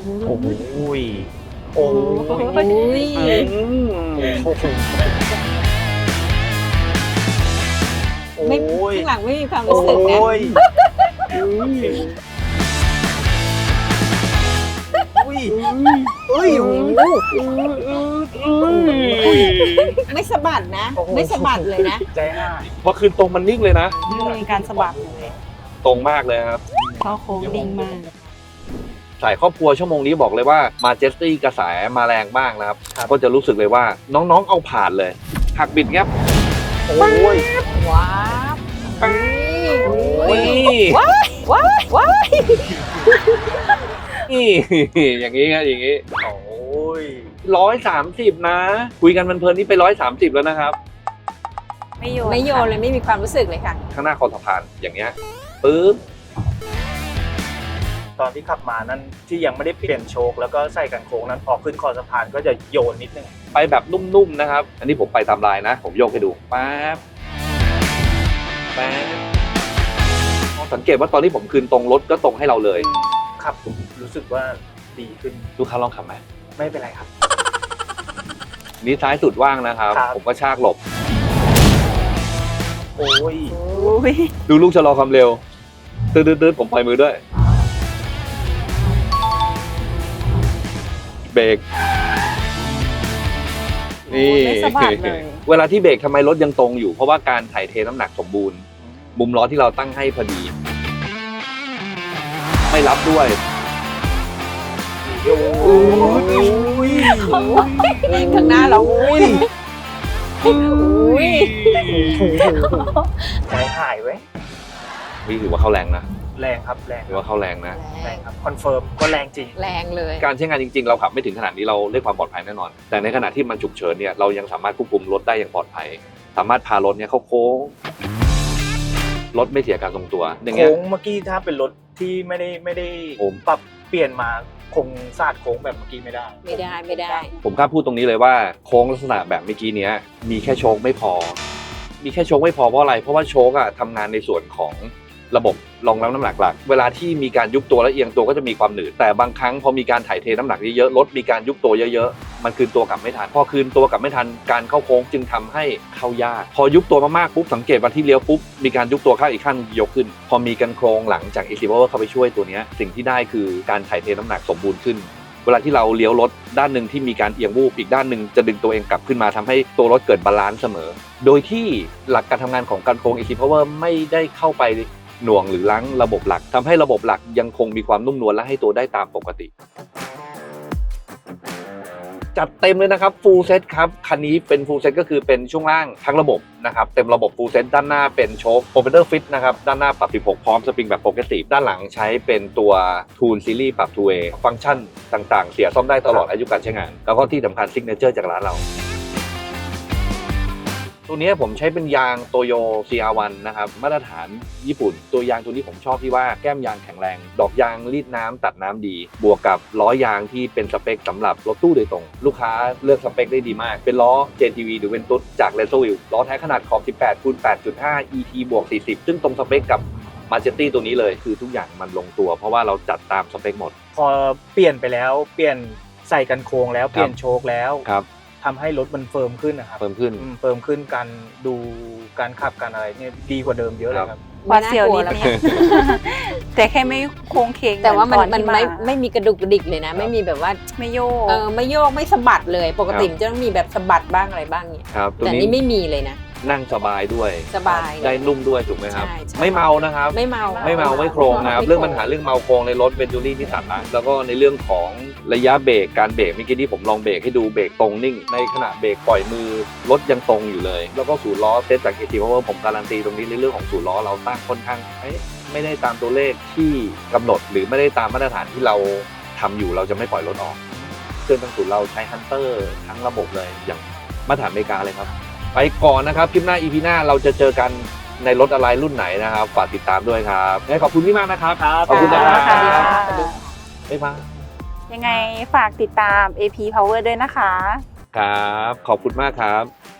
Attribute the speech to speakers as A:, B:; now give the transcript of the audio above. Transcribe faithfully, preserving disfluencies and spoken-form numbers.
A: โอ้โหโอ้
B: โอ้
A: ย
B: ย
C: ไม่ข้างหลังไม่มีความรู้สึกนะ
A: โอ้ยอุ้ยอุ้ย
C: ไม่สะบัดนะ ไม่สะบัดเลยนะ
A: ใจหาย
B: พอคืนตรงมันนิ่งเลยนะ
D: ไม่มีการสะบัดเลย
B: ตรงมากเลยครับ
D: เข้าโค้งดิ่งมาก
B: สายครอบครัวชั่วโมงนี้บอกเลยว่ามาเจสตี้กระแสมาแรงมากนะครับ ก็จะรู้สึกเลยว่าน้องๆเอาผ่านเลย หักบิดครับ
A: โอ้ย
C: ว้าว
B: นี่
C: ว้าวว้าว
B: นี่ อย่างนี้ครับอย่างนี้
A: โอ้ย
B: ร้อยสามสิบนะ คุยกันเพลินๆนี่ไปร้อยสามสิบแล้วนะครับ
D: ไม่โยน
C: ไม่โยนเลยไม่มีความรู้สึกเลยค่ะ
B: ข้างหน้าคอสะพานอย่างเงี้ยปึ๊บ
A: ตอนที่ขับมานั้นที่ยังไม่ได้เปลี่ยนโชคแล้วก็ใส่กันโค้งนั้นพอขึ้นคอสะพานก็จะโยนนิดนึง
B: ไปแบบนุ่มๆนะครับ อันนี้ผมไปตามลายนะ ผมโยกให้ดูป๊าบป๊าบสังเกตว่าตอนที่ผมคืนตรงรถก็ตรงให้เราเลย
A: ขับรู้สึกว่าดีขึ้น
B: ลูกค้าลองขับไหม
A: ไม่เป็นไรครับ
B: นี่ซ้ายสุดว่างนะครับ
A: ครับ
B: ผมก็ชากหลบ
A: โอ้ย
D: อุ้ย
B: ดูลูกชะลอความเร็วตืดๆๆผมปล่อยมือด้วย เบรกนี่
D: ไม่สะบัดเลย
B: เวลาที่เบรกทำไมรถยังตรงอยู่ เพราะว่าการถ่ายเทน้ำหนักสมบูรณ์ มุมล้อที่เราตั้งให้พอดี ไม่รับด้วย
A: โอ้ย
C: ข้างหน้าเราอุ้ยอุ้ย
A: ใจหายไว้ย
B: นี่ถือว่าเข้าแรงนะ
A: แรงครับแรง
B: ถือว่าเข้าแรงนะ
A: แรงครับคอนเฟิร์มก็แรงจริง
C: แรงเลย
B: การใช้งานจริงๆ เราขับไม่ถึงขนาดนี้เราได้ความปลอดภัยแน่นอน แต่ในขณะที่มันฉุกเฉินเนี่ยเรายังสามารถควบคุมรถได้อย่างปลอดภัย สามารถพารถเนี่ยเข้าโค้งรถไม่เสียการทรงตัวอย่างเงี้ย
A: โค้งเมื่อกี้ถ้าเป็นรถที่ไม่ได้ไม่ได้
B: ผม
A: ปรับเปลี่ยนมาคงสาดโค้งแบบเมื่อกี้ไม่ได้
C: ไม่ได้ไม่ได้
B: ผมกล้าพูดตรงนี้เลยว่าโค้งลักษณะแบบเมื่อกี้เนี้ยมีแค่โชคไม่พอ มีแค่โชคไม่พอเพราะอะไร เพราะว่าโชคอะทำงานในส่วนของระบบรองรับน้ำหนักหลัก เวลาที่มีการยุบตัวและเอียงตัวก็จะมีความหนืดแต่บางครั้งพอมีการถ่ายเทน้ำหนักเยอะๆรถมีการยุบตัวเยอะๆมันคืนตัวกลับไม่ทันพอคืนตัวกลับไม่ทันการเข้าโค้งจึงทำให้เข้ายากพอยุบตัวมากๆปุ๊บสังเกตวันที่เลี้ยวปุ๊บมีการยุบตัวข้างอีกขั้นยกขึ้น พอมีกันโครงหลังจาก Easy Power เข้าไปช่วยตัวเนี้ยสิ่งที่ได้คือการถ่ายเทน้ำหนักสมบูรณ์ขึ้น เวลาที่เราเลี้ยวรถด้านหนึ่งที่มีการเอียงวูบอีกด้านหนึ่งจะดึงตัวเองกลับขึ้นมาทำให้ตัวรถเกิดบาลานซ์เสมอ โดยที่หลักการทำงานของการโครง Easy Power ไม่ได้เข้าไปหน่วงหรือล้างระบบหลักทำให้ระบบหลักยังคงมีความนุ่มนวลและให้ตัวได้ตามปกติ จัดเต็มเลยนะครับ full set ครับคันนี้เป็น full set ก็คือเป็นช่วงล่างทั้งระบบนะครับเต็มระบบ full set ด้านหน้าเป็นโชค Propeller Fit นะครับด้านหน้าปรับสิบหกพร้อมสปริงแบบ Progressive ด้านหลังใช้เป็นตัว Tool Series ปรับ two way ฟังก์ชันต่างๆ เสียซ่อมได้ตลอดอายุการใช้งาน แล้วก็ที่สำคัญ Signature จากร้านเรา ตัวนี้ผมใช้เป็นยางโตโย ซี อาร์ วัน นะครับมาตรฐานญี่ปุ่น ตัวยางตัวนี้ผมชอบที่ว่าแก้มยางแข็งแรง ดอกยางรีดน้ำตัดน้ำดี บวกกับล้อยางที่เป็นสเปคสำหรับรถตู้โดยตรง ลูกค้าเลือกสเปคได้ดีมาก เป็นล้อ เจ ที วี หรือเวนตุสจาก r e s o w i l ล้อแท้ขนาดขอบ สิบแปดคูณแปดจุดห้า อี ที บวก สี่สิบ ซึ่งตรงสเปคกับ Majetti ตัวนี้เลยคือทุกอย่างมันลงตัวเพราะว่าเราจัดตามสเปคหมด
A: พอเปลี่ยนไปแล้วเปลี่ยนใส่กันโค้งแล้วเปลี่ยนโชคแล้ว
B: ครับ
A: ทำให้รถมันเฟิร์มขึ้นนะครับ
B: เพิ่มขึ้น
A: อืมเฟิร์มขึ้นการดูการขับการอะไรเนี่ยดีกว่าเดิมเยอะเลยครับ
D: หวาดเสียวนิดนึงแต่แค่ไม่โค้งเคง
C: แต่ว่ามัน
D: เหอ
C: มัน
D: ที่
C: ไม่ไม่มีกระดุกกระดิกเลยนะ ไม่มีแบบว่า
D: ไม่โยก
C: เออไม่โยกไม่สะบัดเลย ปกติมันจะต้องมีแบบสะบัดบ้างอะไรบ้างเนี่ย
B: ครับตัว
C: แต่
B: นี้
C: นี่ไม่มีเลยนะ
B: นั่งสบายด้วย
C: สบาย
B: ได้นุ่มด้วยถูกไหมครับ
C: ใช่ใช่
B: ไม่เมานะครับ
C: ไม่เมา
B: ไม่เมาไม่โครงนะครับเรื่องปัญหาเรื่องเมาโครงในรถเวนจูรี่ที่ตัดนะแล้วก็ในเรื่องของระยะเบรกการเบรกเมื่อกี้ที่ผมลองเบรกให้ดูเบรกตรงนิ่งในขณะเบรกปล่อยมือรถยังตรงอยู่เลย แล้วก็ศูนย์ล้อเซตจาก เอ ที เพราะว่าผมการันตีตรงนี้ในเรื่องของศูนย์ล้อเราตั้งค่อนข้างเอ๊ะไม่ได้ตามตัวเลขที่กำหนดหรือไม่ได้ตามมาตรฐานที่เราทำอยู่เราจะไม่ปล่อยรถออกเครื่องทั้งศูนย์เราใช้ฮันเตอร์ทั้งระบบเลยอย่างมาตรฐานอเมริกาเลยครับไปก่อนนะครับคลิปหน้า อี พี หน้าเราจะเจอกันในรถอะไรรุ่นไหนนะครับฝากติดตามด้วยครับขอบคุณพี่มากนะครับ ขอบคุณนะค
D: สวัสดี
B: รั
D: ค่ะ
B: บบ๊ายบาย
D: ยังไงฝากติดตาม เอ พี Power ด้วยนะคะ
B: ครับ ขอบคุณมากครับ